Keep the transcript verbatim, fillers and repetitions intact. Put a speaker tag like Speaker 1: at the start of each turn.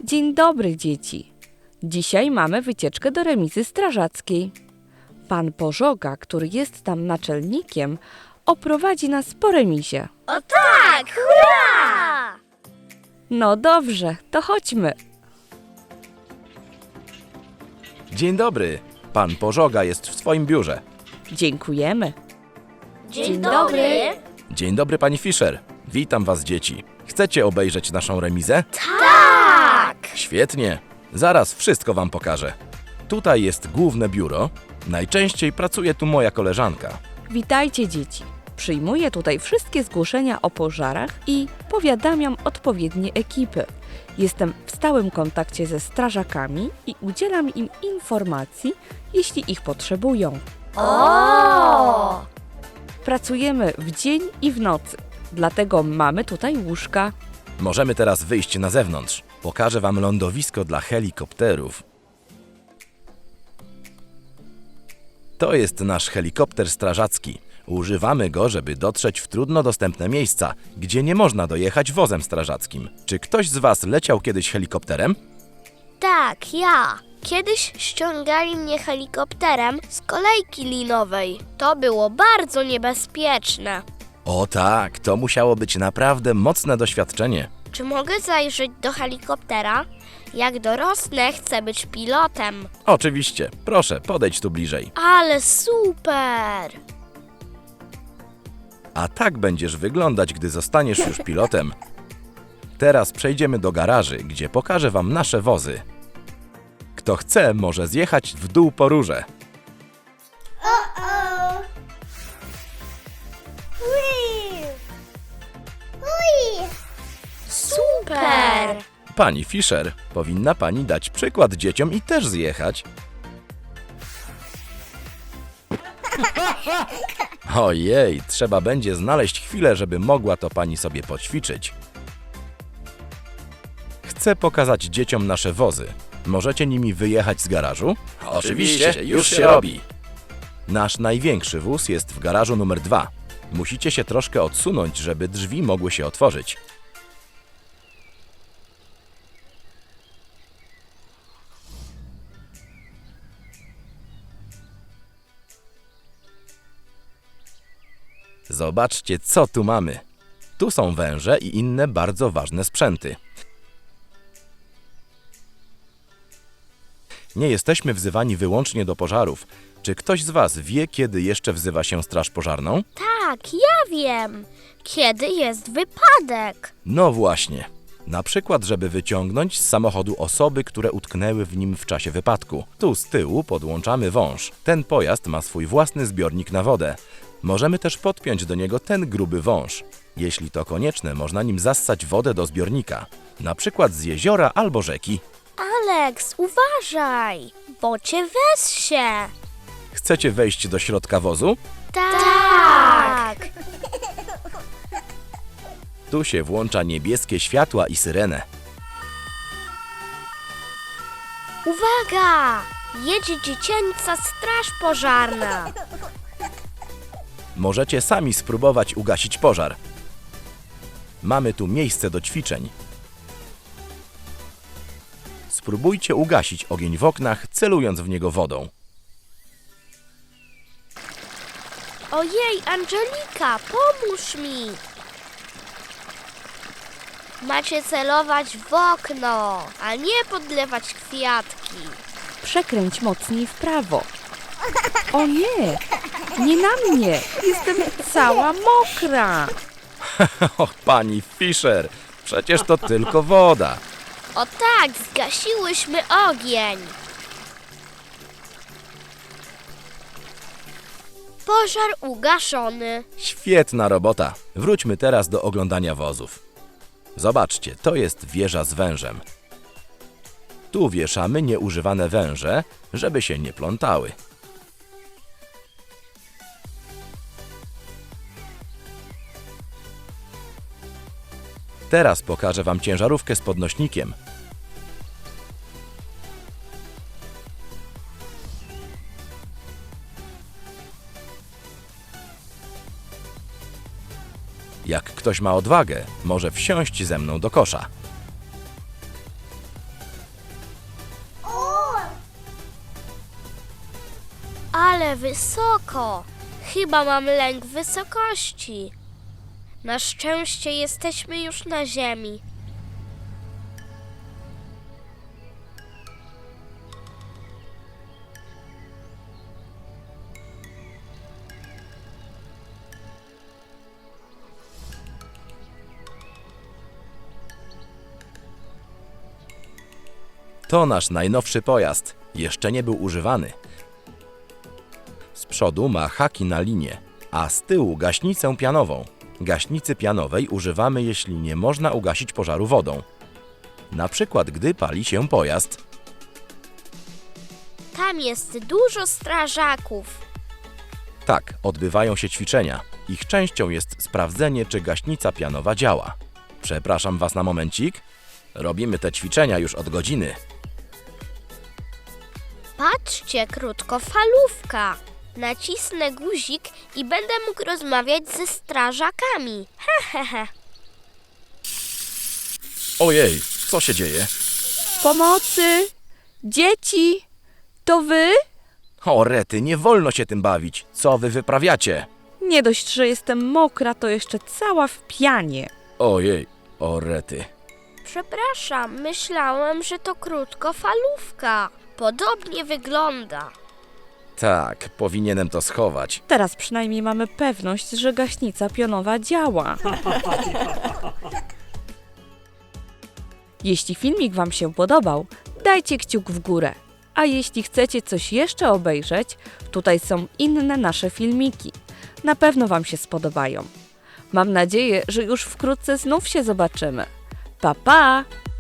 Speaker 1: Dzień dobry, dzieci. Dzisiaj mamy wycieczkę do remizy strażackiej. Pan Pożoga, który jest tam naczelnikiem, oprowadzi nas po remizie.
Speaker 2: O tak! Hurra!
Speaker 1: No dobrze, to chodźmy.
Speaker 3: Dzień dobry. Pan Pożoga jest w swoim biurze.
Speaker 1: Dziękujemy.
Speaker 2: Dzień,
Speaker 1: Dzień
Speaker 2: dobry.
Speaker 1: dobry.
Speaker 3: Dzień dobry, pani Fischer. Witam was, dzieci. Chcecie obejrzeć naszą remizę?
Speaker 2: Tak!
Speaker 3: Świetnie. Zaraz wszystko wam pokażę. Tutaj jest główne biuro. Najczęściej pracuje tu moja koleżanka.
Speaker 1: Witajcie, dzieci. Przyjmuję tutaj wszystkie zgłoszenia o pożarach i powiadamiam odpowiednie ekipy. Jestem w stałym kontakcie ze strażakami i udzielam im informacji, jeśli ich potrzebują.
Speaker 2: O!
Speaker 1: Pracujemy w dzień i w nocy, dlatego mamy tutaj łóżka.
Speaker 3: Możemy teraz wyjść na zewnątrz. Pokażę wam lądowisko dla helikopterów. To jest nasz helikopter strażacki. Używamy go, żeby dotrzeć w trudno dostępne miejsca, gdzie nie można dojechać wozem strażackim. Czy ktoś z was leciał kiedyś helikopterem?
Speaker 2: Tak, ja. Kiedyś ściągali mnie helikopterem z kolejki linowej. To było bardzo niebezpieczne.
Speaker 3: O tak, to musiało być naprawdę mocne doświadczenie.
Speaker 2: Czy mogę zajrzeć do helikoptera? Jak dorosnę, chcę być pilotem.
Speaker 3: Oczywiście, proszę, podejdź tu bliżej.
Speaker 2: Ale super!
Speaker 3: A tak będziesz wyglądać, gdy zostaniesz już pilotem. Teraz przejdziemy do garaży, gdzie pokażę wam nasze wozy. Kto chce, może zjechać w dół po rurze.
Speaker 2: Super!
Speaker 3: Pani Fischer, powinna pani dać przykład dzieciom i też zjechać. Ojej, trzeba będzie znaleźć chwilę, żeby mogła to pani sobie poćwiczyć. Chcę pokazać dzieciom nasze wozy. Możecie nimi wyjechać z garażu?
Speaker 4: Oczywiście, już się robi.
Speaker 3: Nasz największy wóz jest w garażu numer dwa. Musicie się troszkę odsunąć, żeby drzwi mogły się otworzyć. Zobaczcie, co tu mamy. Tu są węże i inne bardzo ważne sprzęty. Nie jesteśmy wzywani wyłącznie do pożarów. Czy ktoś z was wie, kiedy jeszcze wzywa się straż pożarną?
Speaker 2: Tak, ja wiem. Kiedy jest wypadek?
Speaker 3: No właśnie. Na przykład, żeby wyciągnąć z samochodu osoby, które utknęły w nim w czasie wypadku. Tu z tyłu podłączamy wąż. Ten pojazd ma swój własny zbiornik na wodę. Możemy też podpiąć do niego ten gruby wąż. Jeśli to konieczne, można nim zassać wodę do zbiornika. Na przykład z jeziora albo rzeki.
Speaker 2: Alex, uważaj, bo cię wessie.
Speaker 3: Chcecie wejść do środka wozu?
Speaker 2: Tak.
Speaker 3: Tu się włącza niebieskie światła i syrenę.
Speaker 2: Uwaga! Jedzie dziecięca straż pożarna.
Speaker 3: Możecie sami spróbować ugasić pożar. Mamy tu miejsce do ćwiczeń. Spróbujcie ugasić ogień w oknach, celując w niego wodą.
Speaker 2: Ojej, Angelika, pomóż mi. Macie celować w okno, a nie podlewać kwiatki.
Speaker 1: Przekręć mocniej w prawo. O nie, nie na mnie. Jestem cała mokra.
Speaker 3: Och, pani Fischer, przecież to tylko woda.
Speaker 2: O tak, zgasiłyśmy ogień. Pożar ugaszony.
Speaker 3: Świetna robota. Wróćmy teraz do oglądania wozów. Zobaczcie, to jest wieża z wężem. Tu wieszamy nieużywane węże, żeby się nie plątały. Teraz pokażę wam ciężarówkę z podnośnikiem. Jak ktoś ma odwagę, może wsiąść ze mną do kosza.
Speaker 2: Ale wysoko! Chyba mam lęk wysokości. Na szczęście jesteśmy już na ziemi.
Speaker 3: To nasz najnowszy pojazd. Jeszcze nie był używany. Z przodu ma haki na linię, a z tyłu gaśnicę pianową. Gaśnicy pianowej używamy, jeśli nie można ugasić pożaru wodą. Na przykład, gdy pali się pojazd.
Speaker 2: Tam jest dużo strażaków.
Speaker 3: Tak, odbywają się ćwiczenia. Ich częścią jest sprawdzenie, czy gaśnica pianowa działa. Przepraszam Was na momencik. Robimy te ćwiczenia już od godziny.
Speaker 2: Patrzcie, krótkofalówka. Nacisnę guzik i będę mógł rozmawiać ze strażakami. Hehehe.
Speaker 3: Ojej, co się dzieje?
Speaker 1: Pomocy! Dzieci! To wy?
Speaker 3: O rety, nie wolno się tym bawić. Co wy wyprawiacie?
Speaker 1: Nie dość, że jestem mokra, to jeszcze cała w pianie.
Speaker 3: Ojej, o rety.
Speaker 2: Przepraszam, myślałem, że to krótkofalówka. Podobnie wygląda.
Speaker 3: Tak, powinienem to schować.
Speaker 1: Teraz przynajmniej mamy pewność, że gaśnica pionowa działa. Jeśli filmik Wam się podobał, dajcie kciuk w górę. A jeśli chcecie coś jeszcze obejrzeć, tutaj są inne nasze filmiki. Na pewno Wam się spodobają. Mam nadzieję, że już wkrótce znów się zobaczymy. Pa, pa!